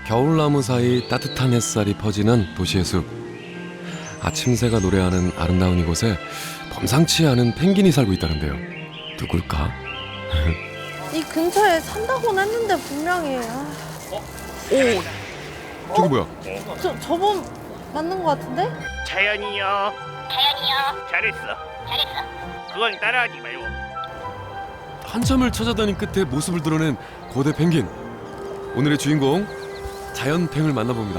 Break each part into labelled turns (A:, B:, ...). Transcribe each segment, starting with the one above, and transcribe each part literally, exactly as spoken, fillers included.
A: 겨울나무 사이 따뜻한 햇살이 퍼지는 도시의 숲. 아침새가 노래하는 아름다운 이곳에 범상치 않은 펭귄이 살고 있다는데요. 누굴까?
B: 이 근처에 산다고는 했는데 분명히. 아,
A: 오, 저기 뭐야?
B: 저 저번 맞는 것 같은데?
C: 자연이요. 자연이요. 잘했어. 잘했어. 그건 따라하지 말고.
A: 한참을 찾아다닌 끝에 모습을 드러낸 거대 펭귄. 오늘의 주인공 자연팽을 만나봅니다.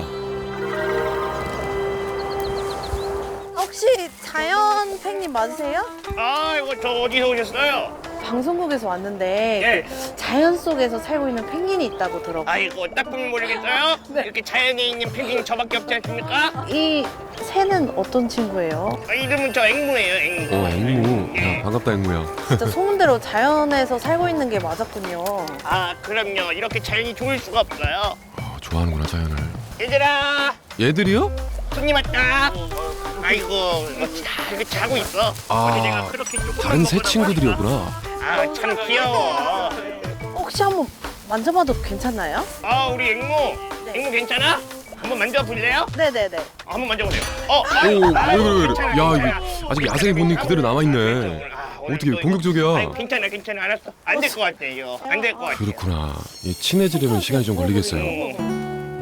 B: 혹시 자연 팽님 맞으세요?
C: 아, 이거 저 어디서 오셨어요?
B: 방송국에서 왔는데
C: 네.
B: 그 자연 속에서 살고 있는 펭귄이 있다고 들었고
C: 아이고, 딱 보면 모르겠어요?
B: 네.
C: 이렇게 자연에 있는 펭귄이 저밖에 없지 않습니까?
B: 이 새는 어떤 친구예요?
C: 아, 이름은 저 앵무예요, 앵무.
A: 오, 앵무.
C: 예.
A: 야, 반갑다, 앵무야.
B: 진짜 소문대로 자연에서 살고 있는 게 맞았군요.
C: 아, 그럼요. 이렇게 자연이 좋을 수가 없어요.
A: 어, 좋아하는구나, 자연을.
C: 얘들아,
A: 얘들이요?
C: 손님 왔다. 아이고, 뭐 다 이렇게 자고 있어.
A: 아,
C: 어제 내가 그렇게 조금만
A: 다른 새
C: 먹으라고
A: 친구들이었구나.
C: 하니까. 아, 참 귀여워.
B: 혹시 한번 만져봐도 괜찮나요?
C: 아, 우리 앵무.
B: 네.
C: 앵무 괜찮아? 한번 만져볼래요?
B: 네네네.
C: 아, 한번 만져보세요. 어,
A: 오, 왜 그래, 왜 그래.
C: 괜찮아,
A: 야,
C: 괜찮아.
A: 이거 아직 야생의 본능이 그대로 남아있네.
C: 아, 오늘
A: 어떻게
C: 또
A: 공격적이야?
C: 아니, 괜찮아, 괜찮아, 알았어. 안 될 것 같아요. 안 될 것 같아.
A: 그렇구나. 이 친해지려면 시간이 좀 걸리겠어요.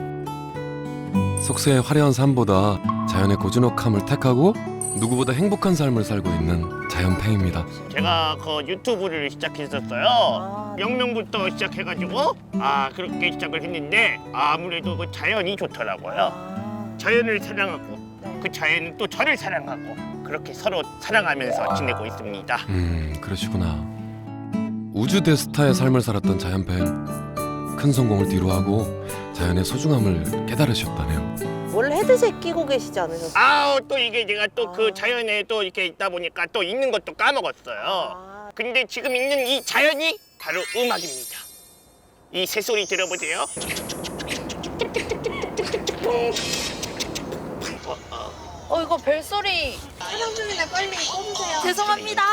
A: 속세의 화려한 삶보다 자연의 고즈넉함을 택하고 누구보다 행복한 삶을 살고 있는 자연팽입니다.
C: 제가 그 유튜브를 시작했었어요.
B: 아.
C: 영명부터 시작해가지고 아 그렇게 시작을 했는데 아무래도 그 자연이 좋더라고요.
B: 아,
C: 자연을 사랑하고
B: 네.
C: 그 자연은 또 저를 사랑하고 그렇게 서로 사랑하면서 지내고 있습니다.
A: 음, 그러시구나. 우주 대스타의 삶을 살았던 자연팽. 큰 성공을 뒤로하고 자연의 소중함을 깨달으셨다네요.
B: 원래 헤드셋 끼고 계시지 않으셨어요?
C: 아우 또 이게 제가 또 그
B: 아.
C: 자연에 또 이렇게 있다 보니까 또 있는 것도 까먹었어요.
B: 아.
C: 근데 지금 있는 이 자연이 바로 음악입니다. 이 새소리 들어보세요.
B: 어 이거 벨소리 촬영 중인데 빨리 꺼주세요. 죄송합니다.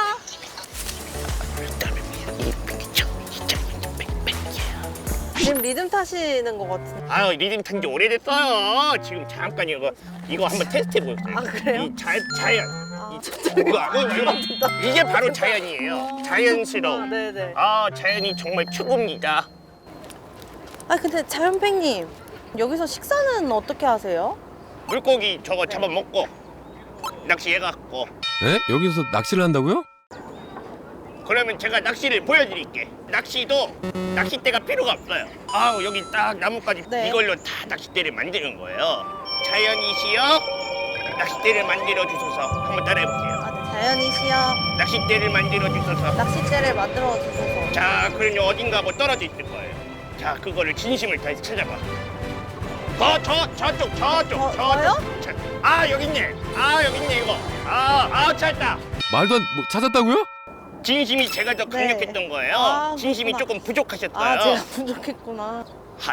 B: 지금 리듬 타시는 것 같은데.
C: 아유 리듬 탄 지 오래됐어요. 지금 잠깐 이거 이거 한번 테스트 해보세요.
B: 아, 그래요?
C: 이 자, 자연.
B: 아,
C: 이거, 이거, 이거, 이게 바로 자연이에요. 자연스러움.
B: 아, 네네.
C: 아 자연이 정말 최고입니다.
B: 아 근데 자연팽님 여기서 식사는 어떻게 하세요?
C: 물고기 저거 잡아먹고 낚시해갖고
A: 네? 여기서 낚시를 한다고요?
C: 그러면 제가 낚시를 보여드릴게. 낚시도 낚싯대가 필요가 없어요. 아우 여기 딱 나뭇가지
B: 네.
C: 이걸로 다 낚싯대를 만드는 거예요. 자연이시여 낚싯대를 만들어 주소서. 한번 따라해볼게요.
B: 아, 네, 자연이시여
C: 낚싯대를 만들어 주소서.
B: 낚싯대를 만들어 주소서.
C: 자, 그러니 어딘가 뭐 떨어져 있을 거예요. 자, 그거를 진심을 다해서 찾아봐. 저, 저, 저쪽, 저쪽,
B: 저-
C: 저쪽.
B: 저요?
C: 자, 아, 여기 있네. 아, 여기 있네, 이거. 아, 아, 찾았다.
A: 말도 안, 뭐 찾았다고요?
C: 진심이 제가 더
B: 네.
C: 강력했던 거예요.
B: 아,
C: 진심이
B: 그렇구나.
C: 조금 부족하셨어요.
B: 아 제가 부족했구나.
C: 핫.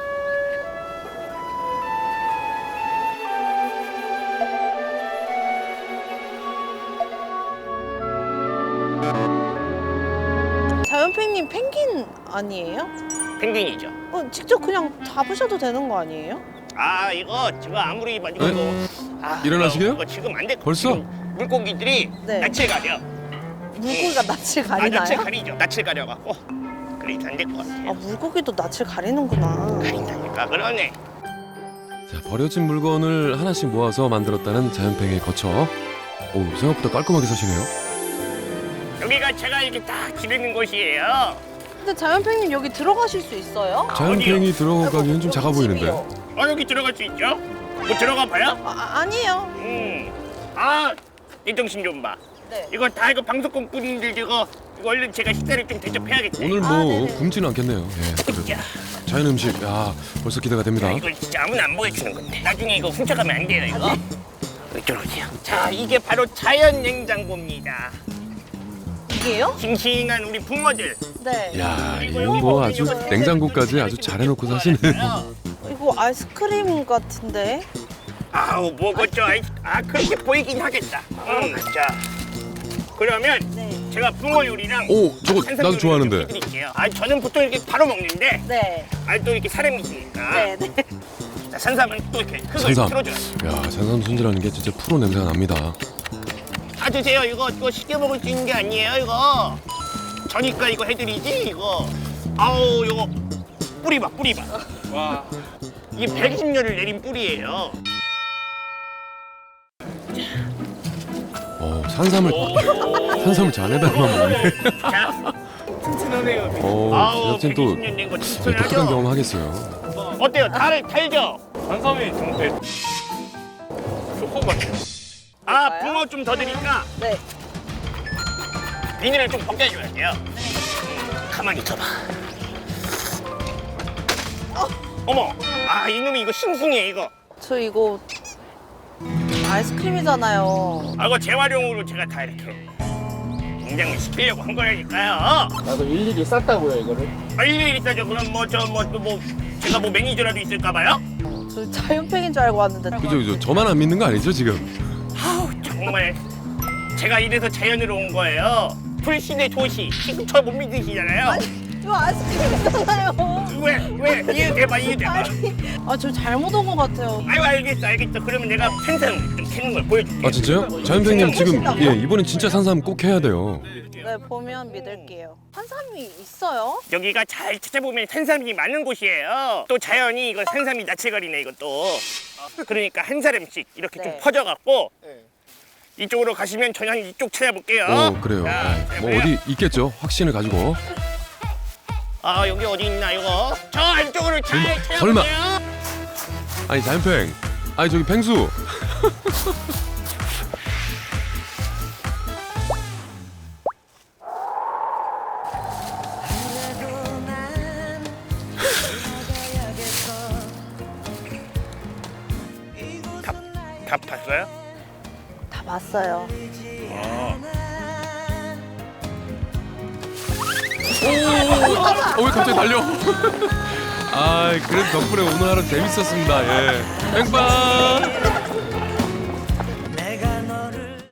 B: 자연팽님 펭귄 아니에요?
C: 펭귄이죠.
B: 어, 직접 그냥 잡으셔도 되는 거 아니에요?
C: 아, 이거 제가 아무리 봐도
A: 네?
C: 아,
A: 일어나시게요?
C: 이거 지금 안 돼.
A: 벌써?
C: 지금 물고기들이
B: 네.
C: 낯을 가려.
B: 물고기가 낯을
C: 아, 낯을
B: 가리나요?
C: 가리죠. 낯을 가려갖고. 그래서 안 될 것 같아요.
B: 아 물고기도 낯을 가리는구나.
C: 가린다니까 그러네.
A: 자, 버려진 물건을 하나씩 모아서 만들었다는 자연팽의 거처. 오, 생각보다 깔끔하게 사시네요.
C: 여기가 제가 이렇게 딱 지내는 곳이에요.
B: 근데 자연팽님 여기 들어가실 수 있어요?
A: 자연팽이 들어가기엔 좀
B: 여기
A: 작아 보이는데.
B: 집이요.
C: 어 여기 들어갈 수 있죠? 뭐 들어가 봐요?
B: 아, 아, 아니에요.
C: 음. 아, 이 정신 좀 봐.
B: 네.
C: 이거 다 이거 방송국 분들 이거 이거 얼른 제가 식사를 좀 대접해야겠지.
A: 오늘 뭐
B: 아, 네네.
A: 굶지는 않겠네요. 예, 그래도.
C: 야,
A: 자연 음식, 야, 벌써 기대가 됩니다.
C: 야, 이거 진짜 아무나 안 보여주는 건데. 나중에 이거 훔쳐가면 안 돼요 이거. 이쪽으로 오세요. 자, 이게 바로 자연 냉장고입니다.
B: 이게요?
C: 싱싱한 우리 붕어들.
B: 네.
A: 야, 이거 뭐 아주 냉장고까지 아주 잘 해놓고 사시네.
B: 이거 아이스크림 같은데?
C: 아우 뭐겠죠? 아이, 아 그렇게 보이긴 하겠다. 음, 자, 그러면
B: 네.
C: 제가 붕어 요리랑
A: 오, 저거
C: 산삼
A: 나도
C: 요리를
A: 좋아하는데.
C: 좀 해드릴게요. 아, 저는 보통 이렇게 바로 먹는데
B: 네.
C: 아, 또 이렇게 사람이시니까
B: 네, 네.
C: 자, 산삼은 또 이렇게 흙을
A: 산삼.
C: 틀어줘요.
A: 야, 산삼 손질하는 게 진짜 프로 냄새가 납니다.
C: 다 드세요. 이거 이거 쉽게 먹을 수 있는 게 아니에요. 이거 저니까 이거 해드리지. 이거 아우 이거 뿌리 봐 뿌리 봐. 와 이게 백이십 년을 내린 뿌리예요.
A: 어, 산삼을 산삼을 잔에다가 먹네.
C: 자, 튼튼하네요.
A: 어,
C: 아우
A: 제작진 또
C: 백이십 년 된 거
A: 독특한
C: 튼튼하죠.
A: 경험 하겠어요.
C: 어때요? 달을 달죠?
D: 산삼이 정말 조금만.
C: 아 붕어 좀 더 드니까
B: 네.
C: 비닐을 좀 벗겨줘야 돼요. 가만히 있어봐. 어머, 아 이놈이 이거 싱싱해 이거.
B: 저 이거 아이스크림이잖아요.
C: 아 이거 재활용으로 제가 다 이렇게 냉장을 시키려고 한 거라니까요.
D: 나도 일일이 쌌다고요 이거를.
C: 아 일일이 있다죠. 그럼 뭐 저 뭐 또 뭐 제가 뭐 매니저라도 있을까 봐요?
B: 저 자연팩인 줄 알고 왔는데.
A: 그죠, 그죠. 저만 안 믿는 거 아니죠, 지금?
C: 아우 정말 제가 이래서 자연으로 온 거예요. 불신의 도시. 지금 저 못 믿으시잖아요.
B: 이거 아이스크림이잖아요.
C: 왜 왜 이해돼봐 이해돼봐.
B: 아, 저 잘못 온 것 같아요.
C: 아유 알겠어 알겠어. 그러면 내가 산삼 좀 캐는 걸 보여줄게.
A: 아, 진짜요? 자연팽님 지금 예, 이번엔 진짜 산삼 꼭 해야 돼요.
B: 네, 보면 믿을게요. 산삼이 있어요?
C: 여기가 잘 찾아보면 산삼이 많은 곳이에요. 또 자연이 이거 산삼이 나체거리네 이것도. 그러니까 한 사람씩 이렇게 좀
B: 네.
C: 퍼져갖고 이쪽으로 가시면 저는 이쪽 찾아볼게요.
A: 오, 그래요.
C: 자,
A: 네, 뭐
C: 보여?
A: 어디 있겠죠? 확신을 가지고.
C: 아 여기 어디 있나 이거? 저 안쪽으로 잘
A: 설마,
C: 찾아볼게요.
A: 설마. 아니, 자연팽. 아니, 저기 팽수.
C: 다, 다 봤어요?
B: 다 봤어요.
A: 어, 왜 갑자기 달려? 아, 그래도 덕분에 오늘 하루 재밌었습니다. 예. 뺑빵.